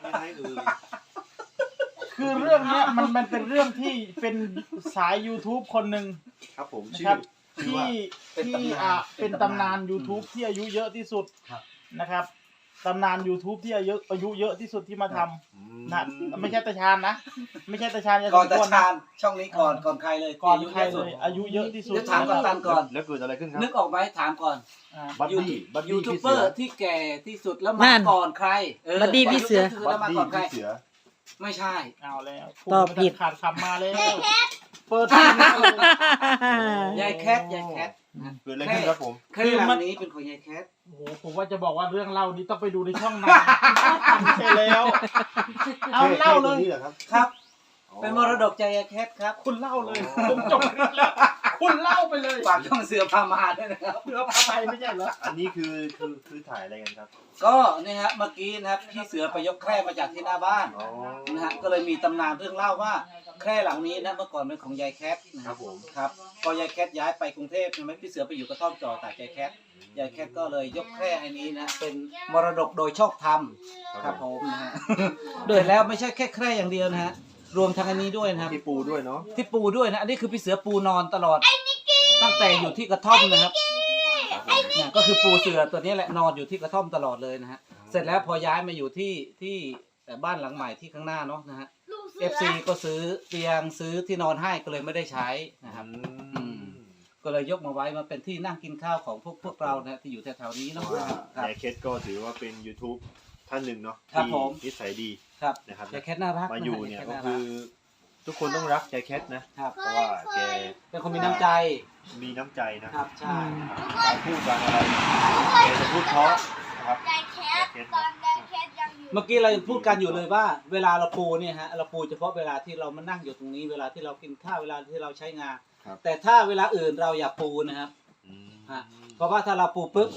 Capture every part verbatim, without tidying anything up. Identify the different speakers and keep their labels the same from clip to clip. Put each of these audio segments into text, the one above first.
Speaker 1: ไม่ให้เอ่ย
Speaker 2: คือเรื่องเนี้ยมันมันเป็นเรื่องที่เป็นสาย YouTube คนหนึ่ง
Speaker 1: ครับผม
Speaker 2: นะ
Speaker 1: ชื่
Speaker 2: ครั
Speaker 1: อบ ชื่อ
Speaker 2: ที่
Speaker 1: ว่า
Speaker 2: ที่อ่าเป็นตำนาน YouTube ที่อายุเยอะที่สุดนะครับตำนาน YouTube ที่อายุอายุเยอะที่สุดที่มาทำนะไม่ใช่ตาชานนะไม่ใช่ตาชานจะ
Speaker 3: ก่อน
Speaker 2: ส
Speaker 3: ตาม
Speaker 2: ควร
Speaker 3: ชา
Speaker 2: นะ
Speaker 3: ญช่องนี้ก่อนก่อนใครเลย
Speaker 2: ก่อน
Speaker 3: ที่
Speaker 2: ใคร
Speaker 3: ายุ
Speaker 2: เล
Speaker 3: อะ
Speaker 2: ยอายุเยอะที่สุด
Speaker 3: เดี๋ยวถามกัปตันก่อน
Speaker 1: แล้วเกิดอะไรขึ้นครับ
Speaker 3: นึกออกไหมถามก่อน
Speaker 2: อ่า
Speaker 1: บัดดี้บัด
Speaker 3: ยู
Speaker 1: ดี้
Speaker 3: ทูบ
Speaker 1: พี่
Speaker 3: เบ
Speaker 1: เสื
Speaker 3: อ
Speaker 1: อ
Speaker 3: ร์ที่แก่ที่สุดแล้ว
Speaker 4: นั่
Speaker 3: มาน ก่อนใครเออ
Speaker 4: บัดดี้พี่เสือ
Speaker 3: ที่สุดแล้ว
Speaker 1: บัด
Speaker 3: มา
Speaker 1: ดี้
Speaker 3: ก่อนใคร
Speaker 1: พี่เสือ
Speaker 3: ไม่ใช่
Speaker 2: เอาแล้ว
Speaker 4: ตอบผิด
Speaker 2: ขาดคำมาแล้วเปิดทีมเลย
Speaker 3: ยายแคทยายแคท
Speaker 1: เกิดอะไรขึ้นครับผม
Speaker 3: เครื่องรางนี้เป็นของยายแคท
Speaker 2: โอ้โหผมว่าจะบอกว่าเรื่องเล่านี้ต้องไปดูในช่องนานใช่แล้ว เอาเล่าเลย
Speaker 1: นี่เหรอครับ
Speaker 3: ครับ เป็นมรดกใจยายแคทครับ
Speaker 2: คุณเล่าเลยผมจบคลิปแล้วคุณเล่าไปเลย
Speaker 3: ฝากช่องเสือพามาด้วยนะครับ
Speaker 2: เรือพาไปไม่ใช่เหรอ
Speaker 1: อันนี้คือคือคือถ่ายอะไรกันครับ
Speaker 3: ก็นี่ฮะเมื่อกี้นะครับพี่เสือไปยกแคร่มาจากที่หน้าบ้าน
Speaker 1: อ๋อ
Speaker 3: นะฮะก็เลยมีตำนานเรื่องเล่าว่าแคร่หลังนี้นะเมื่อก่อนเป็นของยายแคทนะ
Speaker 1: ค
Speaker 3: ค
Speaker 1: รั
Speaker 3: รั
Speaker 1: บบ ผม
Speaker 3: ครับพอยายแคทย้ายไปกรุงเทพใช่ไหมพี่เสือไปอยู่กระท่อมจอตากยายแคทยายแคทก็เลยยกแคร่อันนี้นะเป็นมรดกโดยชอบธรรมครับผมนะฮะโดยแล้วไม่ใช่แค่แคร่อย่างเดียวนะฮะรวมทั้งอันนี้ด้วยนะครับ
Speaker 1: ที่ปูด้วยเนาะ
Speaker 3: ที่ปูด้วยนะอันนี้คือพี่เสือปูนอนตลอดตั้งแต่อยู่ที่กระท่อมนะครับเนี่ยก็คือปูเสือตัวนี้แหละนอนอยู่ที่กระท่อมตลอดเลยนะฮะเสร็จแล้วพอย้ายมาอยู่ที่ที่บ้านหลังใหม่ที่ข้างหน้าเนาะนะฮะ เอฟซีก็ซื้อเตียงซื้อที่นอนให้ก็เลยไม่ได้ใช้นะครับ
Speaker 1: อืม
Speaker 3: ก็เลยยกมาไว้มาเป็นที่นั่งกินข้าวของพวกพวกเรานะที่อยู่แถวๆนี้
Speaker 1: เพ
Speaker 3: เนาะ
Speaker 1: ราะว่า
Speaker 3: ครับ
Speaker 1: ยายเคสก็ถือว่าเป็น YouTube ท่านหนึ่งเนาะ
Speaker 3: ครับ
Speaker 1: ที่
Speaker 3: ผม
Speaker 1: นิสัยดี
Speaker 3: ครับ
Speaker 1: นะครับ
Speaker 3: ยายแคทน่ารัก
Speaker 1: มาอยู่เนี่ย
Speaker 3: า
Speaker 1: ก็
Speaker 3: รั
Speaker 1: คือทุกคนต้องรักยายแคทนะ
Speaker 3: ครับ
Speaker 1: เพราะว่าแก
Speaker 3: เป็นคนมีน้ำใจ
Speaker 1: มีน้ำใจนะครับ
Speaker 3: ใช่
Speaker 1: การพูดการอะไรแกจะพูดเพราะนะครับ
Speaker 5: ยายแคทตอนยายแคทยังอยู่
Speaker 3: เมื่อกี้เราพูดกันอยู่เลยว่า เวลาเราปูเนี่ยฮะเราปูเฉพาะเวลาที่เรามานั่งอยู่ตรงนี้เวลาที่เรากินข้าวเวลาที่เราใช้งาน
Speaker 1: ครับ
Speaker 3: แต่ถ้าเวลาอื่นเราอย่าปูนะครับ
Speaker 1: อืม
Speaker 3: ฮะเพราะว่าถ้าเราปูปุ๊บ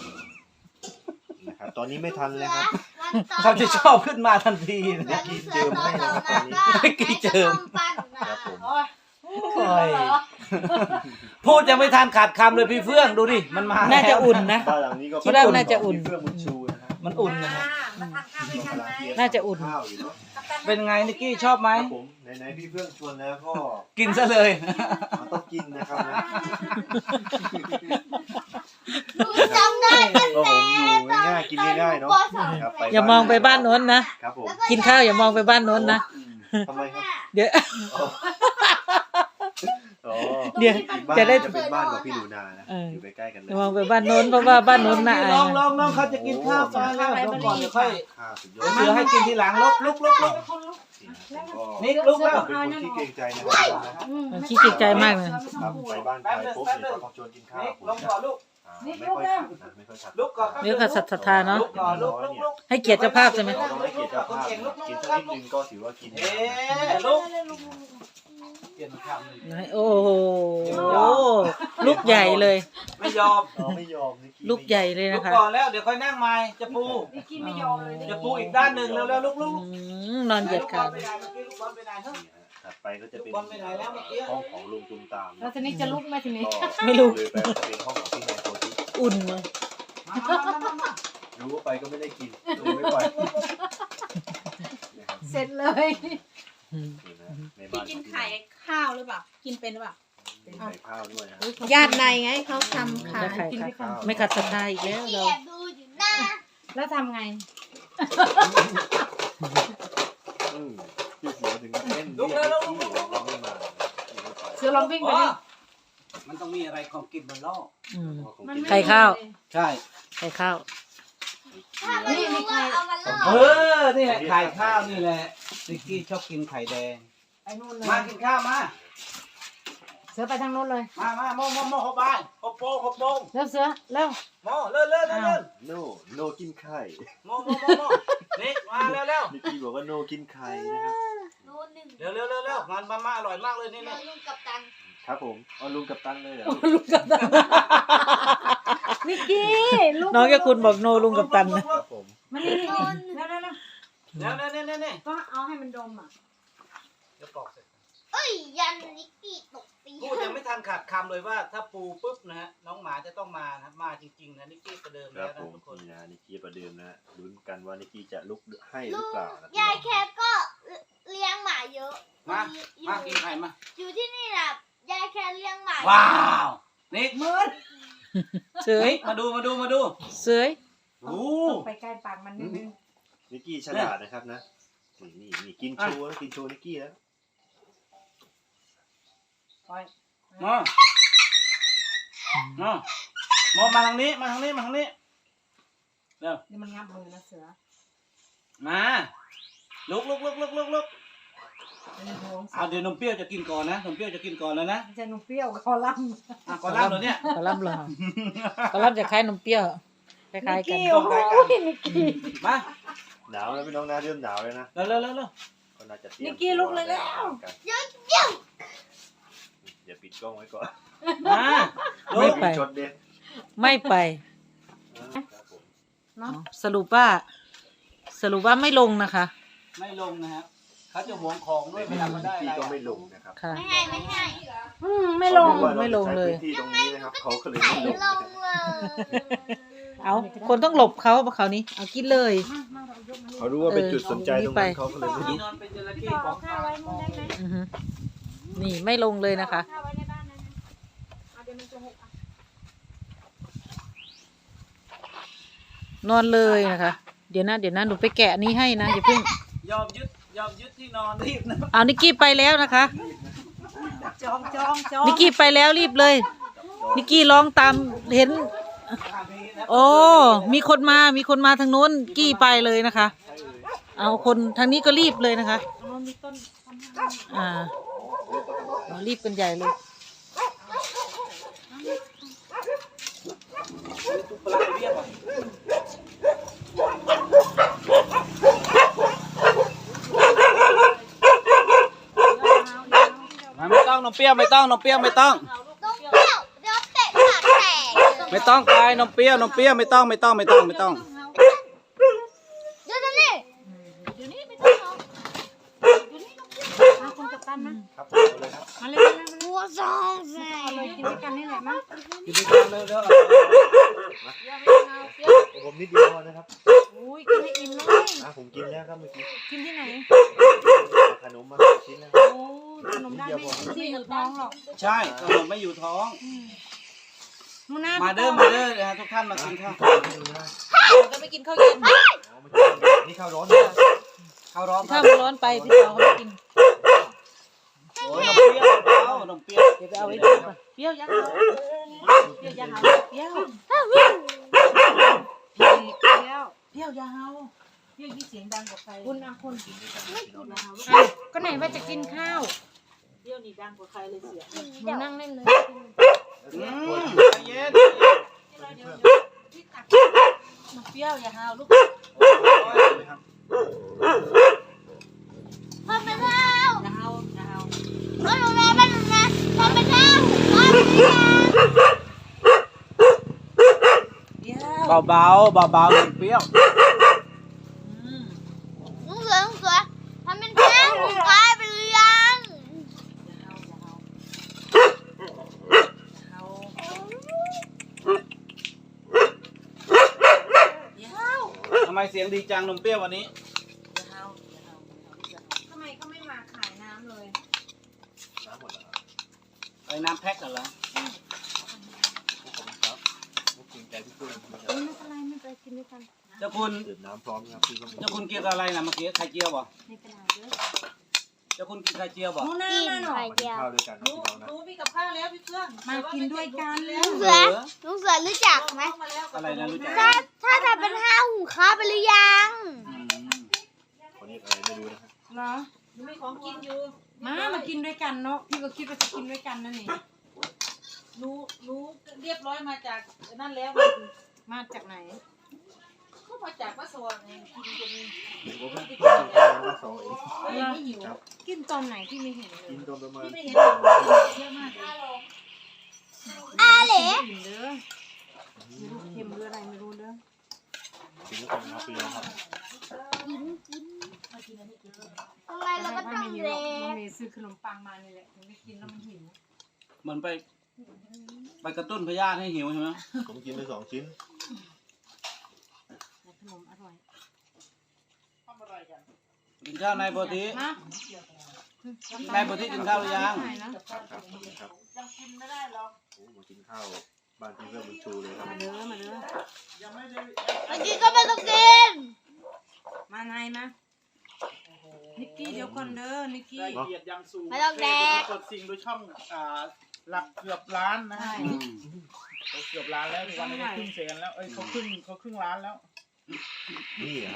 Speaker 1: นะครับตอนนี้ไม่ทันเลยครับ
Speaker 3: เขาจะชอบขึ้นมาทันทีนะ
Speaker 1: แล้วกินเจิมให้นะครับตอนนี้
Speaker 3: ไม่กี่เจิม
Speaker 1: ครับผม
Speaker 2: โอ้ย
Speaker 3: โอ้ยพูดยังไม่ทันขาดคำเลยพี่เฟื่องดูดิมันมา
Speaker 4: น่าจะอุ่นนะ
Speaker 1: บ้านหลังนี้ก็
Speaker 4: คิดว่าน่าจะอุ่น
Speaker 1: มีเฟื่องบุญชูนะครับ
Speaker 3: มันอุ่นนะครับ
Speaker 5: มาทานข้าวด้วยกันไหม
Speaker 4: น่าจะอุ่น
Speaker 1: ข้าวอยู่เนาะ
Speaker 3: เป็นไงนิกกี้ชอบไหม
Speaker 1: ครับผมไหนๆพี่เฟื่องชวนแล้วก็
Speaker 3: กินซะเลย
Speaker 1: มันต้องกินนะครับนะ
Speaker 5: จำได้
Speaker 1: ก็ผมอยู่ง่ายๆกินง่ายๆเนาะครับไป
Speaker 4: อย่ามองไปบ้านโน้นนะครับ
Speaker 1: ผม
Speaker 4: กินข้าวอย่ามองไปบ้านโน้นนะ
Speaker 1: ทำไมครับ
Speaker 4: เดี๋ยว
Speaker 1: อ๋อ
Speaker 4: เดี๋ยว
Speaker 1: อีกบ้าน
Speaker 4: จะได้
Speaker 1: จะเป็นบ้านของพี่หนูนานะ
Speaker 4: เออ
Speaker 1: อยู่ใกล้ๆกันเลย
Speaker 4: อย่ามองไปบ้านโน้นเพราะว่าบ้านโน้นน่าอา
Speaker 3: ลอง
Speaker 4: ย
Speaker 3: ลองลองเขาจะกินข้าวมาแล้วลองก่อนเดี๋ยวค่อย
Speaker 1: ข้าวสุดยอ
Speaker 3: เดี๋ยว
Speaker 1: ด
Speaker 3: เสือให้กินทีหลังลุกลุกลุกลุก
Speaker 1: นี่
Speaker 3: นิกลุกแล้ว
Speaker 1: เป็นคนที่เกรงใจนะครับ
Speaker 4: มันขี้เกียจใจมากเลย
Speaker 1: ครับไปบ้านใครปุ๊บเนี่ยก็ต้องชวนกินข้าว
Speaker 3: นิก
Speaker 1: ผม
Speaker 3: ลงก่อนลูก
Speaker 1: อ่าไม่ค่อยขัดนะไม่ค่อยขัด
Speaker 3: ลุกก่อน
Speaker 4: เดี๋ยวก็ศรัทธาเนาะ
Speaker 3: ลุกก่อนลุกลุกลุก
Speaker 4: ให้เกียรติเจ้าภาพใช่ไหม
Speaker 1: เราต้องให้เกียรติเจ้าภาพนะกินสักนิดนึงก็ถือว่ากิน
Speaker 3: เอ๊ะลุกเปลี่ยนคำหนึ่ง
Speaker 4: โอ้โหลูกใหญ่เลย
Speaker 3: ไม่ยอม
Speaker 1: เราไม่ยอมนิกี้
Speaker 4: ลูกใหญ่เลย
Speaker 3: ลุ
Speaker 4: นะ
Speaker 3: ก
Speaker 4: คะ
Speaker 3: ก่อนแล้วเดี๋ยวค่อยนั่งใหม่จะปู
Speaker 5: นิกกี้ไม่ยอมเลย
Speaker 3: จะปูอีกด้านหนึ่งแล้วแล้วลุกลุก
Speaker 4: อืมนอนเหยียด
Speaker 3: ลูกบ
Speaker 4: ขา
Speaker 3: อลไปไหนเมื่อกี้ลูกบอลไปไหนเฮ้ย
Speaker 1: นี่ฮะถัดไปก็จะเป็น
Speaker 3: ลูกบอลไปไหนแล้วเมื่อกี้
Speaker 1: ห้องของลุงตุมตาม
Speaker 5: แล้วทีนี้จะลุกไหมทีนี้
Speaker 4: ไม่รู้
Speaker 1: เลยไปเป็นห้องของพี่นายโพธิ
Speaker 4: อุ่นมั้ง
Speaker 3: มามามามา
Speaker 1: รู้ว่าไปก็ไม่ได้กินเลยไม่ปล่อยนะครับ
Speaker 5: เสร็จเลย
Speaker 4: อืม
Speaker 1: นี่นะใน
Speaker 6: พี่
Speaker 1: บ้าน
Speaker 6: กินไข่ข้าวหรือเปล่า กินเป็นหรือเปล่า
Speaker 1: เป็นไข่ข้าวด้วยนะ
Speaker 6: ญาติในไงเขาทำขาย
Speaker 4: ไข่
Speaker 5: กินด้วยกัน
Speaker 4: ไม่ขัดศรัทธาอีกแล้วเรา
Speaker 5: แอบดูอยู่หน้าแล้วทำไง
Speaker 1: อืมพี่เสือถึงกับเต้นเรียกพี่เราไม่มา
Speaker 5: เสือลองวิ่งไป
Speaker 3: อ๋อ
Speaker 5: ดิ
Speaker 3: มันต้องมีอะไรของกินบนโลก
Speaker 4: อืม
Speaker 5: มันม่
Speaker 4: ไข่ข้าว
Speaker 3: ใช่
Speaker 4: ไข่ข้าว
Speaker 5: ถ้าไม่รู้ว่าเอามาล่อ
Speaker 3: เออ นี่แหละไข่ข้าวนี่แหละนิกกี้ชอบกินไข่แดง
Speaker 5: ไปนู่นเลย
Speaker 3: มากินข้าวมา
Speaker 5: เสือไปทางโน้นเลย
Speaker 3: มามาโมโมโมหบบายหบโปงหบโปง
Speaker 5: เร็วเสือเร็ว
Speaker 3: โมเร็วเร็วเร็วเร็ว
Speaker 1: โนโนกินไข่
Speaker 3: โมโมโมโมนี่มาเร็วเร็ว
Speaker 1: นิกกี้บอกว่าโนกินไข่นะครับ
Speaker 5: โน้นหนึ่ง
Speaker 3: เร็วเร็วเร็วเร็วมันมามาอร่อยมากเลยนี่
Speaker 5: โน้
Speaker 3: นี่
Speaker 5: นลุงกับตัน
Speaker 1: ครับผมเอาลุงกับตันเลยเหรอ
Speaker 5: นิกกี้ลูก
Speaker 4: น้องยาคุณบอกโนลุงกับตันนะ
Speaker 1: ครับผม
Speaker 5: มันนี่นี่เร็วเร็วเร็ว
Speaker 3: เร็วเร็วเร็วเร็วเร็ว
Speaker 5: ก็เอาให้มันดมอ่ะ
Speaker 3: เดี๋ยวปอกเสร็จ
Speaker 5: เอ้
Speaker 7: ยยันนิกกี้ตกตี
Speaker 3: พูดยังไม่ทันขาดคำเลยว่าถ้าปูปุ๊บนะฮะน้องหมาจะต้องมานะมาจริงๆนะนิกกี้ประเดิม
Speaker 1: ค
Speaker 3: แล้
Speaker 1: รั
Speaker 3: ว
Speaker 1: บ
Speaker 3: นะ
Speaker 1: ผม
Speaker 3: ทุกคน
Speaker 1: นี่นะนิกกี้ประเดิมนะลุ้นกันว่านิกกี้จะลุกให้ห
Speaker 7: ลุ
Speaker 1: รือง เปล่านะ
Speaker 7: ยายแคทก็เลี้ยงหมาเยอะ
Speaker 3: มา
Speaker 7: อยู่
Speaker 3: มากินไข่มา
Speaker 7: อยู่ที่นี่นะยายแคทเลี้ยงหมา
Speaker 3: ว้าวนิกมืด
Speaker 4: เสย
Speaker 3: นิกมาดูมาดูมาดู
Speaker 4: เสย
Speaker 3: โอ้
Speaker 5: ไปใกล้ปากมันนิดนึง
Speaker 1: นิกกี้ฉลาดนะครับนะนี่นี่นี่กินโชว์แล้วกินโชว์นิกกี้แล้ว
Speaker 3: มามาหมอมาทางนี้มาทางนี้มาทางนี้เร็ว
Speaker 5: นี่มันงับมือนะเสือ
Speaker 3: มาลุกลุกลุกลุกลุกลุก
Speaker 5: เป็นห่วง
Speaker 3: เอาเดี๋ยวนมเปรี้ยวจะกินก่อนนะนมเปรี้ยวจะกินก่อนแล้วนะ
Speaker 5: จะนุ่มเปรี้ยวคอลัม
Speaker 3: อ่ะก่อนรับเหรอเนี่ย
Speaker 4: กระลำเหรอ กระลำจะคล้ายนมเปรี้ยวคล้ายๆกัน
Speaker 5: โอ้โหนิกกี้
Speaker 3: มา
Speaker 1: หนาวแล้วพี่น้องนะเริ่มหนาวเลยนะ
Speaker 3: เร็วเร็วเร็วเร็ว
Speaker 1: ก็น่าจะเตรียม
Speaker 5: นิกกี้ลุกเลยแล้ว
Speaker 7: เยอะเยอะ
Speaker 1: เดี๋ยวปิดกล้องไว้ก่อน
Speaker 3: มาลุ
Speaker 4: ไม่
Speaker 3: ก
Speaker 4: ไป
Speaker 1: ชดเด็ด
Speaker 4: ไม่ไป
Speaker 1: ครับผม
Speaker 5: เนาะ
Speaker 4: สรุปว่า สรุปว่าไม่ลงนะคะ
Speaker 3: ไม่ลงนะครับเขาจะหวงของด้วยเวลามาได้
Speaker 1: พี่
Speaker 3: อะไร
Speaker 1: ก็ไม่ลงนะครับ
Speaker 4: ค่ะ
Speaker 7: ไม่ให้ไม่ให้
Speaker 5: อืมไม่ลง
Speaker 1: เขารู้ว่ารา
Speaker 4: ไม่ลงเลย
Speaker 1: จะใช้พื้นที่ตรงนี้นะครับเขาก็เลยไม่ลง
Speaker 7: ล
Speaker 1: นะครับ
Speaker 7: งเลย
Speaker 4: เอาคนต้องหลบเขาเพราะเขานี้เอากินเลย
Speaker 1: เขารู้ว่าเป็นจุดสนใจตรงนั้น
Speaker 4: เออ
Speaker 1: เขาก็เลยไม่ล
Speaker 3: ที่
Speaker 1: ง
Speaker 3: นอนเป็นจระเข้
Speaker 5: พี่ต่อ
Speaker 3: ขอ
Speaker 5: เอา
Speaker 3: ง
Speaker 5: ข้าวไว้นู่นได้ไหม
Speaker 4: อือฮึนี่ไม่ลงเลยนะคะ
Speaker 5: ข้าวไว้ในบ้านนะนะเอาเดี๋ยวมันจะหกอ่ะ
Speaker 4: นอนเลยนะคะ เดี๋ยวนะเดี๋ยวนะหนูไปแกะอันนี้ให้นะอย่าเพิ่ง
Speaker 3: ยอมยึดยอมยึดที่นอนรีบนะ
Speaker 4: เอานิกกี้ไปแล้วนะคะ
Speaker 5: จองจองจอง
Speaker 4: นิกกี้ไปแล้วรีบเลย นิกกี้ร้องตามเห็น โอ้ มีคนมา มีคนมาทางโน้นกี้ไปเลยนะคะ เอาคนทางนี้ก็รีบเลยนะคะ
Speaker 5: อ๋อมีต้น
Speaker 4: อ่าเอารีบกันใหญ่เลย
Speaker 3: ตุ๊กปลาเรียบอ่ะไม่ต้องนมเปรี้ยวไม่ต้องนมเปรี้ยวไม่ต้อง
Speaker 7: ต้องเปรี้ยวเดี๋ยวเตะปากแตก
Speaker 3: ไม่ต้องไปนมเปรี้ยวนมเปรี้ยวไม่ต้องไม่ต้องไม่ต้องไม่ต้อง
Speaker 7: เดี๋ยวนี่
Speaker 5: เดี๋ยวนี้ไม่ต้องเอาเดี๋ยวนี้เอาคนกับตันนะครับ
Speaker 1: ผมเอาเลยครับ
Speaker 5: มาเลยมาเลยมาเลย
Speaker 7: หัวซองแส
Speaker 5: เอาเลยกินด้วยกันนี่แหละมั้ง
Speaker 3: กินด้วยกันเลยเด้อ
Speaker 1: ผมนิดเดียวนะครับ
Speaker 5: อุ้ยกินให้อิ่มเลย
Speaker 1: อ่ะผมกินแล้วครับเมื่อกี้
Speaker 5: กินที่ไหน
Speaker 1: เอาขนมมาชิ้นแล้ว
Speaker 5: โอ้ขนมได้ไม่ที่อยู่ท้องหรอก
Speaker 3: ใช่ขนมไม่อยู่ท้อง
Speaker 5: นู่นนะ
Speaker 3: มาเด้อมาเด้อนะฮะทุกท่านมากินข้าว
Speaker 4: จะไปกินข้าวเย็น
Speaker 1: อ๋อไม่ใช่นี่ข้าวร้อนนะ
Speaker 3: ข้าวร้อน
Speaker 4: ถ้ามันร้อนไปพี่สาวเขาไม่กิน
Speaker 3: โอ้ยนมเปรี้ยวเปล่านมเปรี้ยว
Speaker 4: เดี๋ยวไปเอาไว้ดูก่อนเปรี้ยวยักษ์เอาเปรี้ยวยักษ์เอาเปรี้ยว
Speaker 5: เปรี้ยว
Speaker 4: เปรี้ยวยาเฮาเปรี้ยวยี่เสียงดังกว่าใคร
Speaker 5: คุณอ่ะคุณ
Speaker 4: อ้าว
Speaker 5: ก็ไหนว่าจะกินข้าว
Speaker 4: เปรี้ยวนี่ดังกว่าใครเลยเสียง
Speaker 5: หนูนั่งเล่นเลย
Speaker 3: อืมใจเย็น
Speaker 4: มันเปรี้ยวยาเฮาลูก
Speaker 7: พอเป็นเท้าย
Speaker 4: าเฮายาเฮา
Speaker 7: พอหนูนะพอหนูนะพอเป็นเท้าพอเป็นเท้า
Speaker 4: เปรี้ยว
Speaker 3: เบาเบาเบาเบาๆนมเปรี้ยว
Speaker 4: อืม
Speaker 7: ลุงเสือลุงเสือทำเป็นเท้าหนูกลายเป็นเรือง
Speaker 4: เฮาเฮา
Speaker 3: ทำไมเสียงดีจังนมเปรี้ยววันนี้
Speaker 4: เฮา
Speaker 5: ทำไมก็ไม่มาขายน้ำเลย
Speaker 1: น้ำหมดแล้วครับ
Speaker 3: ไอ้น้ำแพ็คกันเหรอ
Speaker 1: ขอบคุณครับขอบคุณใจพี่ตุ้ยนะครับ
Speaker 5: ไม่เป็นไรไม่เป็นไรกินด้วยกัน
Speaker 3: เจ้าคุณ
Speaker 1: ดื่มน้ำพร้อมนะครับพี่ก็มี
Speaker 3: เจ้าคุณกินอะไรนะเมื่อกี้ไข่เจียวบ่
Speaker 5: ไม่เป็นไรเด้อ
Speaker 3: เจ้าคุณกินไข่เจียวบ่
Speaker 5: นู่นน่ะ
Speaker 7: กิน
Speaker 5: น่ะหนอ
Speaker 7: ไข่
Speaker 1: มากิน
Speaker 7: เจียว
Speaker 1: ข้าวด้วยกันนะ
Speaker 4: รู้
Speaker 1: พี่น้องนะ
Speaker 4: รู้มีกับข้าวแล้วพี่เพื่อน
Speaker 5: มากินด้วยกัน
Speaker 7: ลุงเสือลุงเสือรู้จักไหม
Speaker 4: มาแล้ว
Speaker 3: อะไรนะรู้จัก
Speaker 7: ถ้าถ้าทำเป็นห้าหูข้าวไปหรือยัง
Speaker 3: อืม
Speaker 1: คนนี้อะไรไม่รู้นะครับ
Speaker 5: เหรอ
Speaker 4: หนูมีของกินอยู่
Speaker 5: มามากินด้วยกันเนาะพี่ก็คิดว่าจะกินด้วยกันนั่นนี่
Speaker 4: หนูหนูเรียบร้อยมาจากนั่นแล้ว
Speaker 5: มาจากไหน
Speaker 4: ก็มาจากวัดสว่างเองกินจน
Speaker 1: ผมก็เพิ่งกินข้าวมาสองเอง
Speaker 4: ไม่หิว
Speaker 1: ครับ
Speaker 5: กินตอนไหนที่ไม่เห็นเลย
Speaker 1: กินตอนประมาณ
Speaker 4: ไม่เห็นเยอะมากเลย
Speaker 7: อาเหล่
Speaker 5: กินเด้อไม่รู้เค็มหรืออะไรไม่รู้เด้อ
Speaker 1: กินแล้วกันนะครับพี่น้องครับ
Speaker 7: กินกินทำไมเราก็ต้อง
Speaker 5: ไม่มี
Speaker 7: เล
Speaker 5: หรอกน้องเมย์ซื้อขนมปังมานี่แหละถึงได้กินแล้วมันหิว
Speaker 3: มันไป ไปกระตุ้นพยาธิให้หิวใช่ไหม
Speaker 1: ผมกินไปสองชิ้น
Speaker 5: แต่ขนมอร่อย
Speaker 2: ทำอะไรกัน
Speaker 3: กินข้าวนายโพธิ
Speaker 5: นะ
Speaker 3: นายโพธิกินข้าวหรือยัง
Speaker 1: ครับครับขอบคุณครับ
Speaker 2: ยังกินไม่ได้หรอก
Speaker 1: โอ้มากินข้าวบ้านพี่เพื่อนบุญชูเลยครับ
Speaker 5: มาเด้อมาเด้อ
Speaker 2: ยังไม่ได้
Speaker 7: เมื่อกี้ก็ไม่ต้องกิน
Speaker 5: มาไงมานิกกี้เดี๋ยวก่อนเด้อนิกกี้
Speaker 2: ได้เกียรติอย่างสูง
Speaker 7: ไม่ต้องแดก
Speaker 2: กดสิ่งโดยช่องอ่าหลักเกือบล้านนะ
Speaker 5: ใช่
Speaker 3: อืม
Speaker 2: เขาเกือบล้านแล้วทุกวันนี้เขาครึ่งแสนแล้วเอ้ยเขาครึ่งเขาครึ่งล้านแล้ว
Speaker 1: นี่ครับ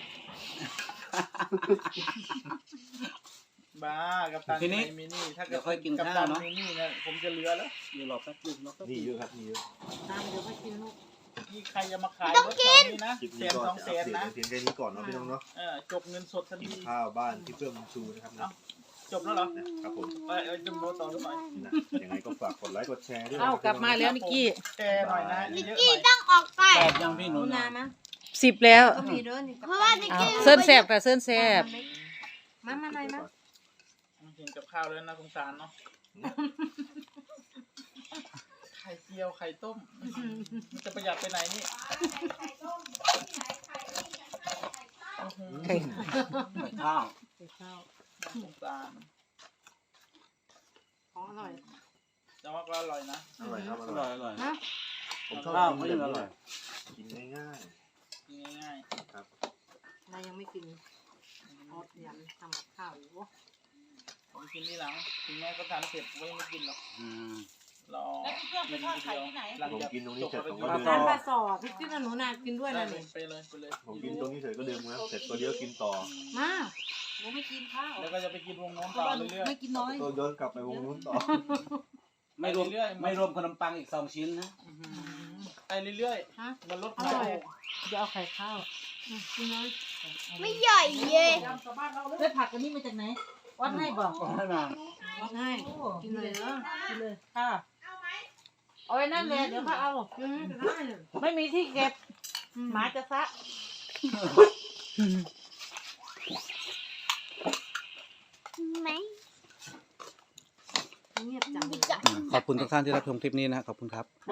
Speaker 2: บ้ากับตัน
Speaker 3: ทีนี้
Speaker 2: มินี่ถ้า
Speaker 3: เดี๋ยวค่อยกิน
Speaker 2: กับ
Speaker 3: ข้าว
Speaker 2: ตัน
Speaker 3: เนอะ
Speaker 2: มินี่เนี่ยผมจะเหลือแล้ว
Speaker 3: อยู่รอแป๊บนึงรอแป๊บนึ
Speaker 1: นี่
Speaker 3: ง
Speaker 1: เยอะครับนี่เยอะ
Speaker 5: ตามเดี๋ยวไปกินลูก
Speaker 2: นี่ใครจะมาขาย
Speaker 7: ไม่ต้อง
Speaker 2: รถ
Speaker 7: กิ
Speaker 2: แถ
Speaker 7: น
Speaker 2: วนี้นะ
Speaker 1: คลิป
Speaker 2: แส
Speaker 1: นี้
Speaker 2: น
Speaker 1: ก็
Speaker 2: สอง
Speaker 1: จะ
Speaker 2: แส
Speaker 1: อัป
Speaker 2: น
Speaker 1: เดต
Speaker 2: นะ
Speaker 1: เพียงแค่นี้ก่อนเนาะพี่น้องเนาะ
Speaker 2: เออจบเงินสดทัน
Speaker 1: กิน
Speaker 2: ที
Speaker 1: ข้าวบ้านพี่เพื่อนบุญชูนะครับนะ
Speaker 2: จบแล้วเหรอ
Speaker 1: นะครับผม
Speaker 2: ไปเอาจำโบต่อหรือเปล่า
Speaker 1: นะยังไงก็ฝากกดไลค์กดแชร์ด้วย
Speaker 4: เอ้ากลับมาแล้วนิกกี้
Speaker 2: แชร์หน่อยนะ
Speaker 7: นิก
Speaker 2: เยอะๆห
Speaker 7: กี้
Speaker 2: น่อย
Speaker 7: ต้องออกไป
Speaker 3: แปดยังพี่ห
Speaker 5: ห
Speaker 3: นู
Speaker 5: นูนา
Speaker 3: นา
Speaker 5: มา
Speaker 4: สิบแล้ว
Speaker 5: ก็มีเด้อนี่
Speaker 7: เพราะว่านิก
Speaker 4: เอา
Speaker 7: กี้
Speaker 4: เส้นแสบค่ะเส้นแสบ
Speaker 5: มามาไหนมา
Speaker 2: เห็นกับข้าวแล้วนะสงสารเนาะไข่เจียวไข่ต้มมันจะประหยัดไปไหนนี่
Speaker 4: ไข่
Speaker 3: ไข่ข้าว
Speaker 5: ไปข้าว
Speaker 2: สงสาร
Speaker 5: ของอร่อย
Speaker 2: แต่ว่าก็อร่อยนะ
Speaker 1: อร่อยครับอ
Speaker 3: อ
Speaker 1: ร่
Speaker 3: ร่
Speaker 1: อ
Speaker 3: อย ยอร่อย
Speaker 5: นะ
Speaker 1: ผมชอบ
Speaker 3: ข้าว
Speaker 1: กิน
Speaker 3: ก็
Speaker 1: แบ
Speaker 3: ยัง
Speaker 1: บ
Speaker 3: อ
Speaker 1: นี้
Speaker 3: ร่อย
Speaker 1: กินง่าย
Speaker 2: กินง่าย
Speaker 1: ๆครับ
Speaker 5: นายยังไม่กินออดยันทำกับข้าวอยู่วะ
Speaker 2: ๆผมกินที่หลังถึงแม้ก็ทานเสร็จก็ยังไม่กินหรอก
Speaker 3: อืม
Speaker 2: รอกินทีเดียวหลัง
Speaker 1: ผม
Speaker 2: จาก
Speaker 1: กินตรงนี้
Speaker 2: จบ
Speaker 1: เสร็จผม
Speaker 2: ภ
Speaker 1: ก็
Speaker 2: าร
Speaker 1: ดื่
Speaker 2: กิจ
Speaker 1: ม
Speaker 5: ทานปลาสอบพี่กินกับหนูนากินด้วย
Speaker 2: ได้
Speaker 5: นะ
Speaker 2: เล
Speaker 5: นี่
Speaker 2: ยไปเลยไปเลย
Speaker 1: ผมกินตรงนี้เสร็จก็ดื่มนะเสร็จตัวเดียวกินต่อ
Speaker 5: มาหนูไม่กินข้าว
Speaker 2: แล้วก็จะไปกินวงโน้น
Speaker 5: เพ
Speaker 2: ต่
Speaker 5: ราะ
Speaker 2: อ
Speaker 5: ว่าหนู
Speaker 2: เรื่อย
Speaker 5: ไม่กินน้อย
Speaker 1: ตัวย้อนกลับไปวงนู้นต่อ
Speaker 3: ไม่รวมไม่รวมขนมปังอีกสองชิ้นนะ
Speaker 2: ๆอื้อหือไปเรื่อย
Speaker 5: ฮะ
Speaker 2: ๆมันลด
Speaker 5: อ
Speaker 2: ความ
Speaker 5: ร่อย
Speaker 2: โลภ
Speaker 4: จะเอาไข่ข้าว
Speaker 5: อืมกินน้อย
Speaker 7: ไม่ใหญ่เย่
Speaker 4: ได้ผักอันนี้มาจากไหนวัดให้บอก
Speaker 3: ให้มา
Speaker 5: วัดให้กินเลยเนาะ
Speaker 4: กินเลยค่ะเอาไว้นั่นเลยเดี๋ยวเขาเอา
Speaker 5: กินก็ได้เลย
Speaker 4: ไม่มีที่เก็บหมาจะซะ
Speaker 7: ไหม
Speaker 5: เงียบจังเลย
Speaker 3: ขอบคุณทุกท่านที่รับชมคลิปนี้นะขอบคุณครับ